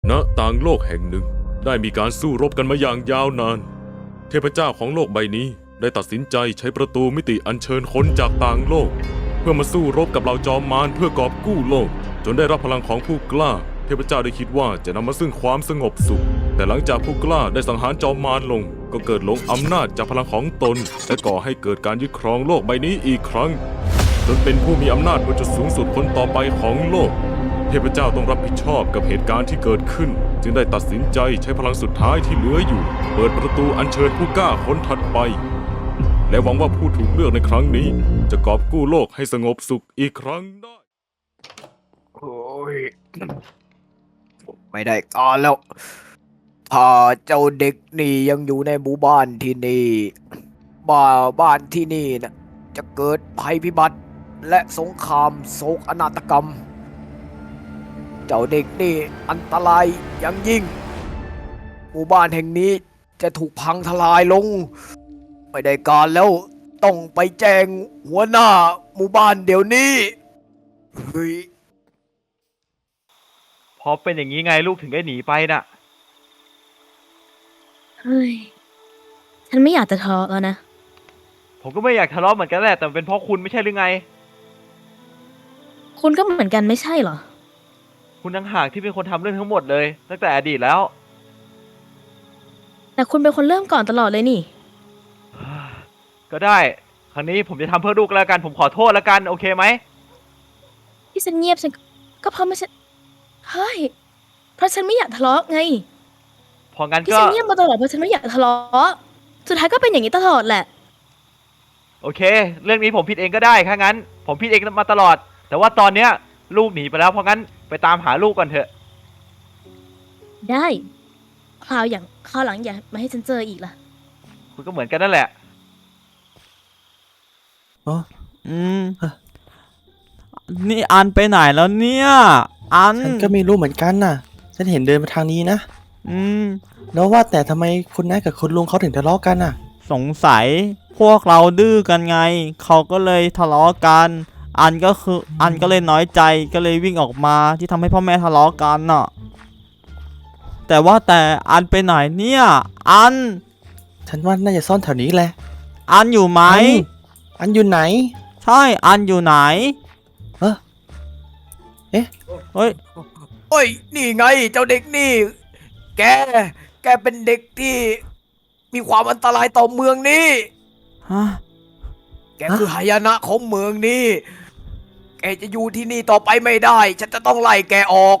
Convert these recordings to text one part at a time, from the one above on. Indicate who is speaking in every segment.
Speaker 1: ณต่างโลกแห่งหนึ่งได้มีการสู้รบกันมาอย่างยาวนานเทพเจ้าของโลกใบนี้ได้ตัดสินใจใช้ประตูมิติอัญเชิญคนจากต่างโลกเพื่อมาสู้รบกับเหล่าจอมมารเพื่อกอบกู้โลกจนได้รับพลังของผู้กล้าเทพเจ้าได้คิดว่าจะนำมาซึ่งความสงบสุขแต่หลังจากผู้กล้าได้สังหารจอมมารลงก็เกิดหลงอำนาจจากพลังของตนและก่อให้เกิดการยึดครองโลกใบนี้อีกครั้งจนเป็นผู้มีอำนาจบนจุดสูงสุดคนต่อไปของโลกเทพเจ้าต้องรับผิดชอบกับเหตุการณ์ที่เกิดขึ้นจึงได้ตัดสินใจใช้พลังสุดท้ายที่เหลืออยู่เปิดประตูอัญเชิญผู้กล้าคนถัดไปและหวังว่าผู้ถูกเลือกในครั้งนี้จะกอบกู้โลกให้สงบสุขอีกครั้งได้
Speaker 2: โอ้ยไม่ได้การแล้วถ้าเจ้าเด็กนี่ยังอยู่ในหมู่บ้านที่นี่บ้านที่นี่นะจะเกิดภัยพิบัติและสงครามโศกนาฏกรรมเจ้าเด็กนี่อันตรายอย่างยิ่งหมู่บ้านแห่งนี้จะถูกพังทลายลงไม่ได้การแล้วต้องไปแจ้งหัวหน้าหมู่บ้านเดี๋ยวนี้เฮ้ย
Speaker 3: พอเป็นอย่างนี้ไงลูกถึงได้หนีไปน่ะ
Speaker 4: เฮ้ย ฉันไม่อยากจะทะเลาะแล้วนะ
Speaker 3: ผมก็ไม่อยากทะเลาะเหมือนกันแหละแต่เป็นเพราะคุณไม่ใช่หรือไง
Speaker 4: คุณก็เหมือนกันไม่ใช่เหรอ
Speaker 3: คุณต่างหากที่เป็นคนทำเรื่องทั้งหมดเลยตั้งแต่อดีตแล้ว
Speaker 4: แต่คุณเป็นคนเริ่มก่อนตลอดเลยนี่
Speaker 3: ก็ได้ครั้งนี้ผมจะทำเพื่อลูกแล้วกันผมขอโทษแล้วกันโอเคไหม
Speaker 4: ที่ฉันเงียบฉันก็เพราะไม่ใช่เฮ้ย เพราะฉันไม่อยากทะเลาะไง
Speaker 3: พองั้น
Speaker 4: ที่
Speaker 3: ก็
Speaker 4: ฉันเงียบมาตลอดเพราะฉันไม่อยากทะเลาะ สุดท้ายก็เป็นอย่างนี้ตลอดแหละ
Speaker 3: โอเค เรื่องนี้ผมผิดเองก็ได้ถ้างั้น ผมผิดเองมาตลอด แต่ว่าตอนเนี้ยลูกหนีไปแล้วเพราะงั้นไปตามหาลูกก่อนเถอะ
Speaker 4: ได้คราวหลังอย่ามาให้ฉันเจออีกล่ะ
Speaker 3: คุณก็เหมือนกันนั่นแหละ
Speaker 5: อ๋อนี่อันไปไหนแล้วเนี่ยอัน
Speaker 6: ฉันก็ไม่รู้เหมือนกันน่ะ ฉันเห็นเดินมาทางนี้นะ
Speaker 5: อืม
Speaker 6: แล้วว่าแต่ทำไมคุณน้ากับคุณลุงเขาถึงทะเลาะกันน่ะ
Speaker 5: สงสัยพวกเราดื้อกันไง เขาก็เลยทะเลาะกัน อันก็เลยน้อยใจก็เลยวิ่งออกมาที่ทำให้พ่อแม่ทะเลาะกันน่ะ แต่ว่าแต่อันไปไหนเนี่ยอัน
Speaker 6: ฉันว่าน่าจะซ่อนแถวนี้แหละ
Speaker 5: อันอยู่ไหม
Speaker 6: อันอยู่ไหน
Speaker 5: ใช่อันอยู่ไหน
Speaker 6: เอ๊ะ
Speaker 5: เฮ้ย
Speaker 2: โอ้ยนี่ไงเจ้าเด็กนี่ แกเป็นเด็กที่มีความอันตรายต่อเมืองนี้
Speaker 5: ฮะ
Speaker 2: แกคือหายนะของเมืองนี้ แกจะอยู่ที่นี่ต่อไปไม่ได้ ฉันจะต้องไล่แกออก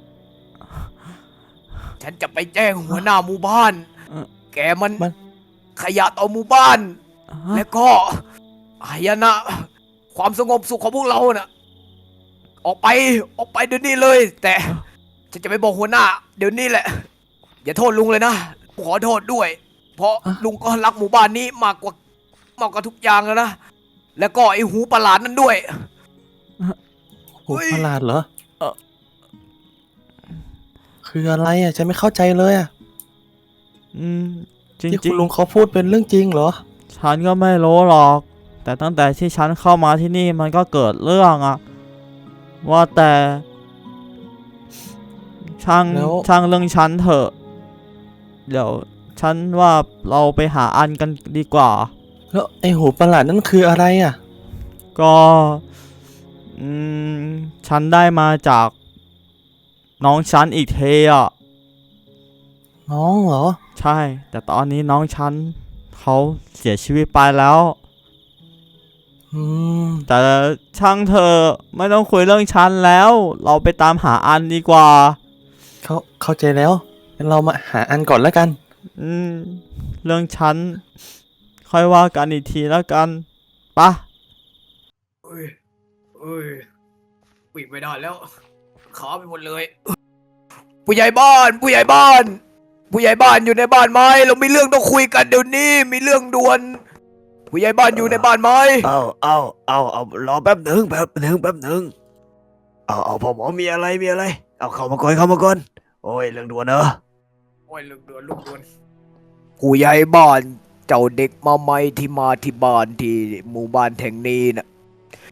Speaker 2: ฉันจะไปแจ้งหัวหน้าหมู่บ้าน แกมันขยะต่อหมู่บ้าน และก็หายนะ ความสงบสุขของพวกเราน่ะ ออกไปเดี๋ยวนี้เลย แต่ฉันจะไปบอกหัวหน้า เดี๋ยวนี้แหละ อย่าโทษลุงเลยนะขอโทษด้วย เพราะลุงก็รักหมู่บ้านนี้มากกว่าทุกอย่างแล้วนะ แล้วก็ไอหูประหลาดนั่นด้วย
Speaker 6: หูประหลาดเหรอ คืออะไรอ่ะ ฉันไม่เข้าใจเลยอ่ะ
Speaker 5: จริง
Speaker 6: ที่
Speaker 5: จริ
Speaker 6: คุ
Speaker 5: ง
Speaker 6: ณลุงเขาพูดเป็นเรื่องจริงเหรอ
Speaker 5: ฉันก็ไม่รู้หรอก แต่ตั้งแต่ที่ฉันเข้ามาที่นี่มันก็เกิดเรื่องอะว่าแต่ช่าง
Speaker 6: แล้ว
Speaker 5: เรื่องฉันเถอะ เดี๋ยวฉันว่าเราไปหาอันกันดีกว่า
Speaker 6: แล้วไอหูประหลาดนั่นคืออะไรอ่ะ
Speaker 5: ก็ฉันได้มาจากน้องฉันอีกเทอะ
Speaker 6: น้องเหรอ
Speaker 5: ใช่ แต่ตอนนี้น้องฉันเขาเสียชีวิตไปแล้ว
Speaker 6: อืม
Speaker 5: แต่ช่างเธอะไม่ต้องคุยเรื่องฉันแล้ว เราไปตามหาอันดีกว่า
Speaker 6: เข้าใจแล้วงั้นเรามาหาอันก่อนแล้วกัน
Speaker 5: เรื่องฉันค่อยว่ากันอีกทีแล้วกันปะ
Speaker 2: เอ้ยวิ่งไม่ได้แล้วขาไปหมดเลย ผู้ใหญ่บ้าน ผู้ใหญ่บ้านอยู่ในบ้านไหมเรามีเรื่องต้องคุยกันเดี๋ยวนี้ มีเรื่องด่วน ผู้ใหญ่บ้านอยู่ในบ้านไหม
Speaker 7: เอารอแป๊บหนึ่งเอาพ่อหมอมีอะไรเอาเข้ามาก่อนโอ้ยเรื่องด่วนเนอะ
Speaker 2: โอ้ยลูกด่วนผู้ใหญ่บ้านเจ้าเด็กมาใหม่ที่มาที่บ้านที่หมู่บ้านแห่งนี้นะ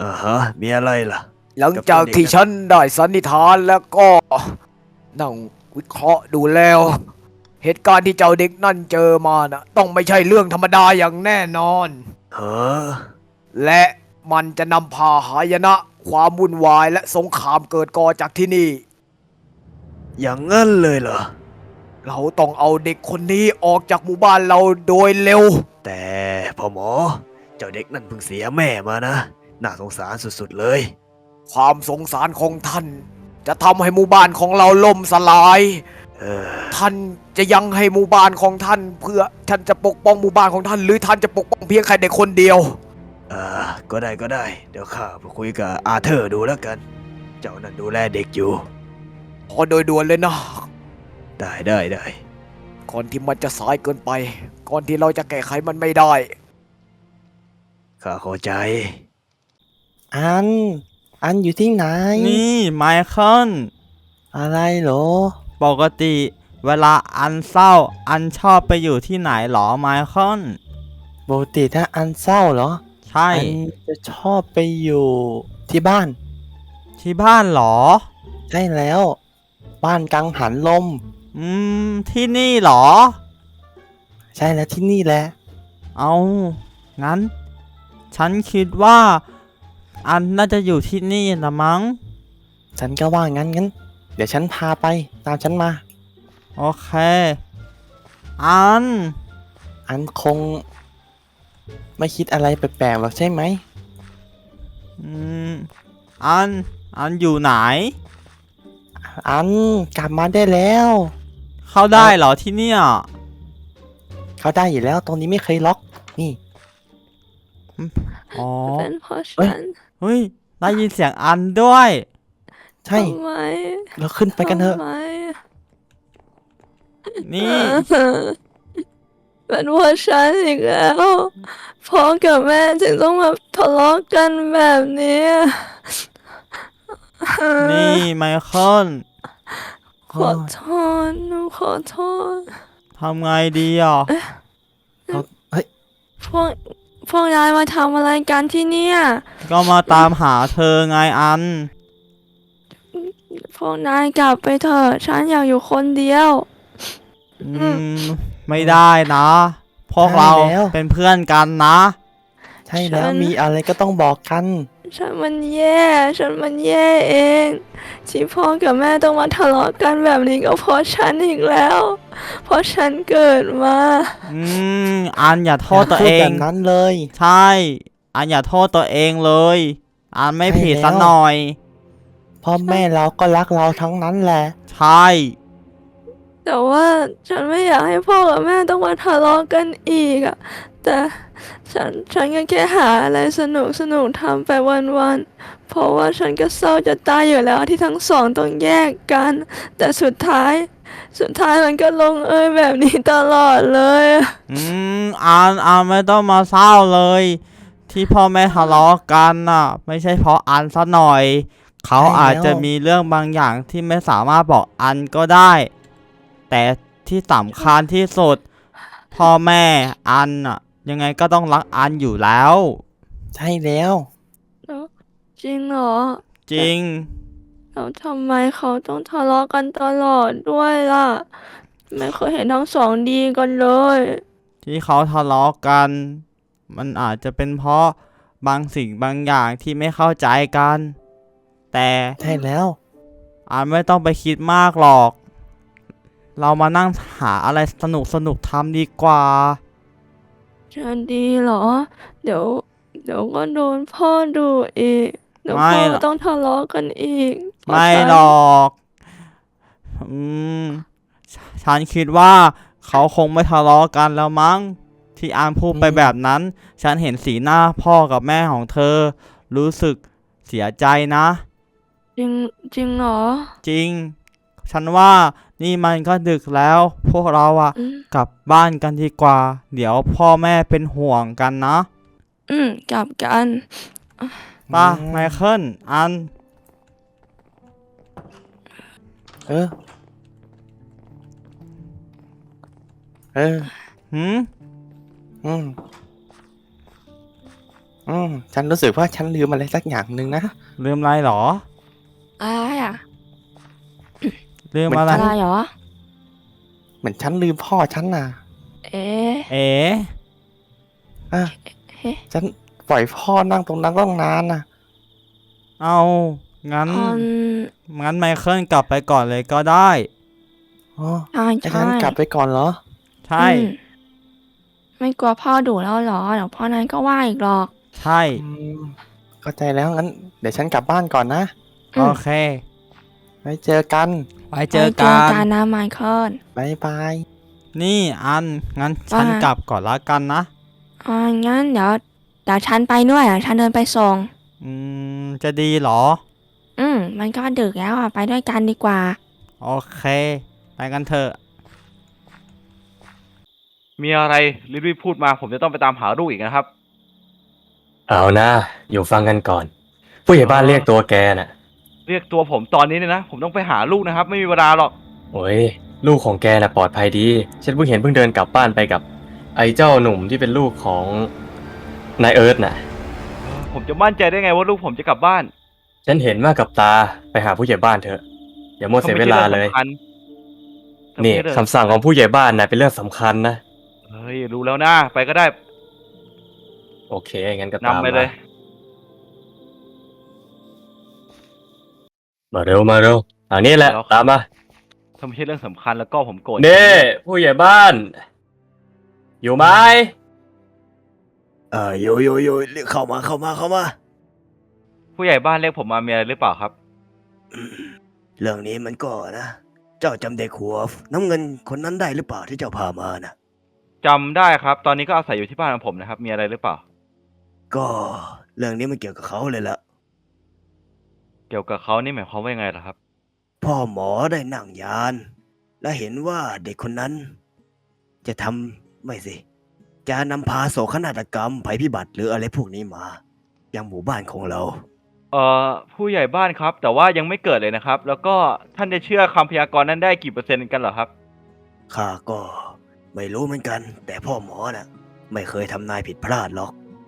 Speaker 7: มีอะไรล่ะ
Speaker 2: หลังจากที่ฉันได้สันนิษฐานแล้วก็นั่งวิเคราะห์ดูแล้ว เหตุการณ์ที่เจ้าเด็กนั่นเจอมาน่ะ ต้องไม่ใช่เรื่องธรรมดาอย่างแน่นอน
Speaker 7: เออ
Speaker 2: และมันจะนำพาหายนะ ความวุ่นวายและสงครามเกิดก่อจากที่นี่
Speaker 7: อย่างงั้นเลยเหรอ
Speaker 2: เราต้องเอาเด็กคนนี้ออกจากหมู่บ้านเราโดยเร็ว
Speaker 7: แต่พ่อหมอ เจ้าเด็กนั่นเพิ่งเสียแม่มานะ น่าสงสารสุดๆเลย
Speaker 2: ความสงสารของท่าน จะทำให้หมู่บ้านของเราล่มสลาย
Speaker 7: เออ
Speaker 2: ท่านจะยังให้หมู่บ้านของท่าน เพื่อท่านจะปกป้องหมู่บ้านของท่าน หรือท่านจะปกป้องเพียงแค่เด็กคนเดียว
Speaker 7: ก็ได้ก็ได้ เดี๋ยวข้าไปคุยกับอาเธอร์ดูแล้วกัน เจ้านั่นดูแลเด็กอยู่
Speaker 2: ขอโดยด่วนเลยนะ
Speaker 7: ได้
Speaker 2: ก่อนที่มันจะสายเกินไป ก่อนที่เราจะแก้ไขมันไม่ได้
Speaker 7: ข้าเข้าใจ
Speaker 6: อันอยู่ที่ไหน
Speaker 5: นี่ไมเคิล
Speaker 6: อะไรเหรอ
Speaker 5: ปกติเวลาอันเศร้า อันชอบไปอยู่ที่ไหนหรอไมเคิล
Speaker 6: ปกติถ้าอันเศร้าเหรอ
Speaker 5: ใช่
Speaker 6: อันจะชอบไปอยู่ที่บ้าน
Speaker 5: ที่บ้านหรอ
Speaker 6: ใช่แล้ว บ้านกังหันลม
Speaker 5: ที่นี่หรอ
Speaker 6: ใช่แล้วที่นี่แหละ
Speaker 5: เอางั้น ฉันคิดว่า อันน่าจะอยู่ที่นี่ละมั้ง
Speaker 6: ฉันก็ว่างั้น เดี๋ยวฉันพาไปตามฉันมา
Speaker 5: โอเค อัน
Speaker 6: อันคง ไม่คิดอะไรแปลกๆหรอกใช่ไหม
Speaker 5: อืม อันอยู่ไหน
Speaker 6: อันกลับมาได้แล้ว
Speaker 5: เข้าได้เหรอที่เนี่ย
Speaker 6: เขาได้อยู่แล้วตรงนี้ไม่เคยล็อก นี่
Speaker 5: อ๋อ
Speaker 4: เป็นเพราะ
Speaker 6: เอ้ย
Speaker 4: ฉัน
Speaker 5: เฮ้ย ได้ยินเสียงอันด้วย
Speaker 6: ใช่
Speaker 4: ทำไม
Speaker 6: เราขึ้นไปกันเถอะ
Speaker 4: ทำไม
Speaker 5: นี่
Speaker 4: เป็นเพราะฉันอีกแล้วพ่อกับแม่ถึงต้องมาทะเลาะกันแบบนี้
Speaker 5: นี่ไมเคิล
Speaker 4: ขอโทษหนูขอโทษ
Speaker 5: ทำไงดีอ่ะ
Speaker 6: เฮ้ย
Speaker 4: พวกนายมาทำอะไรกันที่เนี่ย
Speaker 5: ก็มาตามหาเธอไงอัน
Speaker 4: พวกนายกลับไปเถอะฉันอยากอยู่คนเดียว
Speaker 5: ไม่ได้นะ พวกเรา
Speaker 6: ได้แล้ว
Speaker 5: เป็นเพื่อนกันนะ
Speaker 6: ใช่แล้ว
Speaker 4: ฉัน
Speaker 6: มีอะไรก็ต้องบอกกัน
Speaker 4: ฉันมันแย่เอง ที่พ่อกับแม่ต้องมาทะเลาะกันแบบนี้ก็เพราะฉันอีกแล้ว เพราะฉันเกิดมา
Speaker 5: อันอย่าโทษตัว
Speaker 6: พู
Speaker 5: เอ
Speaker 6: ดแบ
Speaker 5: ง
Speaker 6: บนั้นเลย
Speaker 5: ใช่ อันอย่าโทษตัวเองเลย อันไม่
Speaker 6: ใช่
Speaker 5: ผิด
Speaker 6: แล้ว
Speaker 5: สักหน่อย
Speaker 6: พ่อแม่เราก็รักเราทั้งนั้นแหละ
Speaker 5: ใช่
Speaker 4: แต่ว่าฉันไม่อยากให้พ่อกับแม่ต้องมาทะเลาะกันอีกอะแต่ฉันก็แค่หาอะไรสนุกทำไปวันๆเพราะว่าฉันก็เศร้าจะตายอยู่แล้วที่ทั้งสองต้องแยกกัน แต่สุดท้ายมันก็ลงเอยแบบนี้ตลอดเลยอะ
Speaker 5: อันไม่ต้องมาเศร้าเลย ที่พ่อแม่ทะเลาะกันน่ะ ไม่ใช่เพราะอันซะหน่อย เขา
Speaker 6: ใช่แล้ว
Speaker 5: อาจจะมีเรื่องบางอย่างที่ไม่สามารถบอกอันก็ได้ แต่ที่สำคัญที่สุด พ่อแม่อันน่ะ ยังไงก็ต้องรักอันอยู่แล้ว
Speaker 6: ใช่แล้ว
Speaker 4: จริงเหรอ
Speaker 5: จริง
Speaker 4: แล้วทำไมเขาต้องทะเลาะกันตลอดด้วยล่ะ ไม่เคยเห็นทั้งสองดีกันเลย
Speaker 5: ที่เขาทะเลาะกัน มันอาจจะเป็นเพราะบางสิ่งบางอย่างที่ไม่เข้าใจกัน แต่
Speaker 6: ใช่แล้ว
Speaker 5: อันไม่ต้องไปคิดมากหรอก เรามานั่งหาอะไรสนุกทำดีกว่า
Speaker 4: จะดีเหรอ เดี๋ยวก็โดนพ่อดุอีก เดี๋ยว
Speaker 5: ไม่
Speaker 4: พ่อ
Speaker 5: หรอก
Speaker 4: ต้องทะเลาะกันอีกเพราะ
Speaker 5: ไม่
Speaker 4: ฉัน
Speaker 5: หรอกฉันคิดว่าเขาคงไม่ทะเลาะกันแล้วมั้ง ที่อันพูดไปแบบนั้น ฉันเห็นสีหน้าพ่อกับแม่ของเธอ รู้สึกเสียใจนะ
Speaker 4: จริงเหรอ
Speaker 5: จริง ฉันว่านี่มันก็ดึกแล้ว พวกเราอะ
Speaker 4: อืม
Speaker 5: กลับบ้านกันดีกว่า เดี๋ยวพ่อแม่เป็นห่วงกันนะ
Speaker 4: กลับกัน
Speaker 5: ป่ะไมเคิลอัน
Speaker 6: เออ
Speaker 5: หืม
Speaker 6: ฉันรู้สึกว่าฉันลืมอะไรสักอย่างหนึ่งนะ
Speaker 5: ลืมอะไรหรอ
Speaker 4: อะไรอ่ะ
Speaker 5: ลืมอะไร
Speaker 4: อะไรเหรอ
Speaker 6: เหมือนฉันลืมพ่อฉันน่ะ
Speaker 4: เอ๊ะ
Speaker 5: เอ๋
Speaker 6: อ่ะ
Speaker 4: เฮ้
Speaker 6: ฉันปล่อยพ่อนั่งตรงนั้นต้องนานน่ะ
Speaker 5: เอางั้น
Speaker 4: อืม
Speaker 5: งั้นไมเคิลกลับไปก่อนเลยก็ได้
Speaker 6: อ๋อ
Speaker 4: ใช่
Speaker 6: ให้
Speaker 4: ใช่
Speaker 6: ฉันกลับไปก่อนเหรอ
Speaker 5: ใช่
Speaker 4: อืมไม่กลัวพ่อดุแล้วเหรอ เดี๋ยวพ่อนั้นก็ว่าอีกหรอก
Speaker 5: ใช่
Speaker 6: อืมเข้าใจแล้วงั้น เดี๋ยวฉันกลับบ้านก่อนนะ
Speaker 4: อืม
Speaker 5: โอเค
Speaker 6: ไว้เจอกัน
Speaker 5: ไว้เจอ
Speaker 4: ไว้
Speaker 5: กัน
Speaker 4: นะไมเคิล
Speaker 6: บ๊ายบาย
Speaker 5: นี่อัน งั้นฉัน
Speaker 4: ว่าไง
Speaker 5: กลับก่อนละกันนะ
Speaker 4: งั้นเดี๋ยวฉันไปด้วยฉันเดินไปส่ง
Speaker 5: จะดีเหรอ
Speaker 4: มันก็ดึกแล้วไปด้วยกันดีกว่า
Speaker 5: โอเค ไปกันเถอะ
Speaker 3: มีอะไรรีบๆพูดมาผมจะต้องไปตามหาลูกอีกนะครับ
Speaker 8: เอานะอยู่ฟังกันก่อน ผู้ใหญ่บ้านเรียกตัวแกน่ะ
Speaker 3: เรียกตัวผมตอนนี้เนี่ยนะ ผมต้องไปหาลูกนะครับ ไม่มีเวลาหรอก
Speaker 8: โอ้ยลูกของแกน่ะปลอดภัยดี ฉันเพิ่งเดินกลับบ้านไปกับ ไอ้เจ้าหนุ่มที่เป็นลูกของนายเอิร์ธน่ะ
Speaker 3: ผมจะมั่นใจได้ไงว่าลูกผมจะกลับบ้าน
Speaker 8: ฉันเห็นมากับตาไปหาผู้ใหญ่บ้านเถอะอย่ามัวเสียเวลาเลย นี่คำสั่งของผู้ใหญ่บ้านน่ะเป็นเรื่องสำคัญนะ
Speaker 3: เฮ้ยรู้แล้วนะไปก็ได้
Speaker 8: โอเคงั้นก็ตาม
Speaker 3: นำไปเลย
Speaker 8: มาเร็วทางนี้แหละ
Speaker 3: แล้ว
Speaker 8: ตามมา
Speaker 3: ถ้าไม่ใช่เรื่องสำคัญแล้วก็ผมโกรธ
Speaker 8: เน่ผู้ใหญ่บ้าน อยู่ไหม
Speaker 7: โยเรียกเข้ามา
Speaker 3: ผู้ใหญ่บ้านเรียกผมมามีอะไรหรือเปล่าครับ
Speaker 7: เรื่องนี้มันก็นะ เจ้าจำเด็กหัวน้ำเงินคนนั้นได้หรือเปล่าที่เจ้าพามานะ
Speaker 3: จำได้ครับ ตอนนี้ก็อาศัยอยู่ที่บ้านของผมนะครับ มีอะไรหรือเปล่า
Speaker 7: ก็เรื่องนี้มันเกี่ยวกับเขาเลยละ
Speaker 3: เกี่ยวกับเขานี่หมายความว่ายังไงล่ะครับ
Speaker 7: พ่อหมอได้นั่งยาน และเห็นว่าเด็กคนนั้น จะทำไม่สิ จะนำพาโศกนาฏกรรมภัยพิบัติหรืออะไรพวกนี้มายังหมู่บ้านของเรา
Speaker 3: ผู้ใหญ่บ้านครับ แต่ว่ายังไม่เกิดเลยนะครับ แล้วก็ท่านจะเชื่อคำพยากรณ์นั้นได้กี่เปอร์เซ็นต์กันเหรอครับ
Speaker 7: ข้าก็ไม่รู้เหมือนกัน แต่พ่อหมอน่ะ ไม่เคยทำนายผิดพลาดหรอก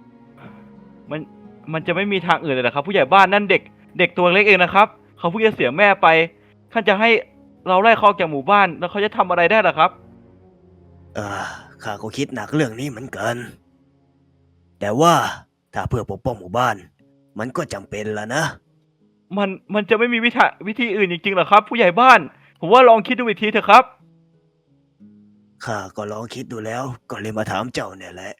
Speaker 3: มันจะไม่มีทางอื่นเลยเหรอครับ ผู้ใหญ่บ้านนั่นเด็กตัวเล็กเองนะครับ เขาเพิ่งจะเสียแม่ไป ท่านจะให้เราไล่เขาออกจากหมู่บ้าน แล้วเขาจะทำอะไรได้ล่ะครับ
Speaker 7: ข้าก็คิดหนักเรื่องนี้เหมือนกัน แต่ว่าถ้าเพื่อปกป้องหมู่บ้าน มันก็จำเป็นละนะ
Speaker 3: มันจะไม่มีวิธีอื่นจริงๆเหรอครับ ผู้ใหญ่บ้าน ผมว่าลองคิดดูอีกทีเถอะครับ
Speaker 7: ข้าก็ลองคิดดูแล้ว ก็เลยมาถามเจ้าเนี่ยแหละ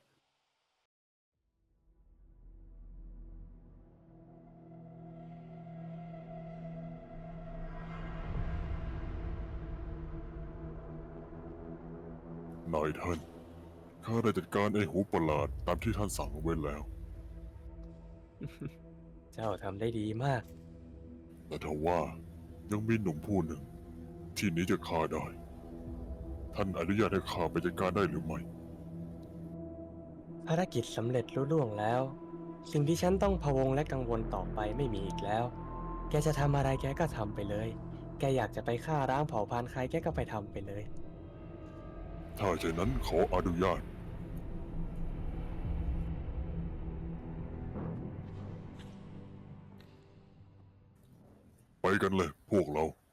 Speaker 9: นายท่าน ข้าได้จัดการไอ้หูประหลาดตามที่ท่านสั่งเอาไว้แล้ว
Speaker 8: เจ้าทำได้ดีมาก
Speaker 9: แต่ทว่ายังมีหนุ่มผู้หนึ่ง ที่หนี้จะข้าได้ ท่านอนุญาตให้ข้าไปจัดการได้หรือไม่
Speaker 8: ภารกิจสำเร็จลุล่วงแล้ว สิ่งที่ฉันต้องพะวงและกังวลต่อไปไม่มีอีกแล้ว แกจะทำอะไรแกก็ทำไปเลย แกอยากจะไปฆ่าร้างเผ่าพันธุ์ใครแกก็ไปทำไปเลย
Speaker 9: ถ้าเช่นนั้นขออนุญาต ไปกันเลยพวกเรา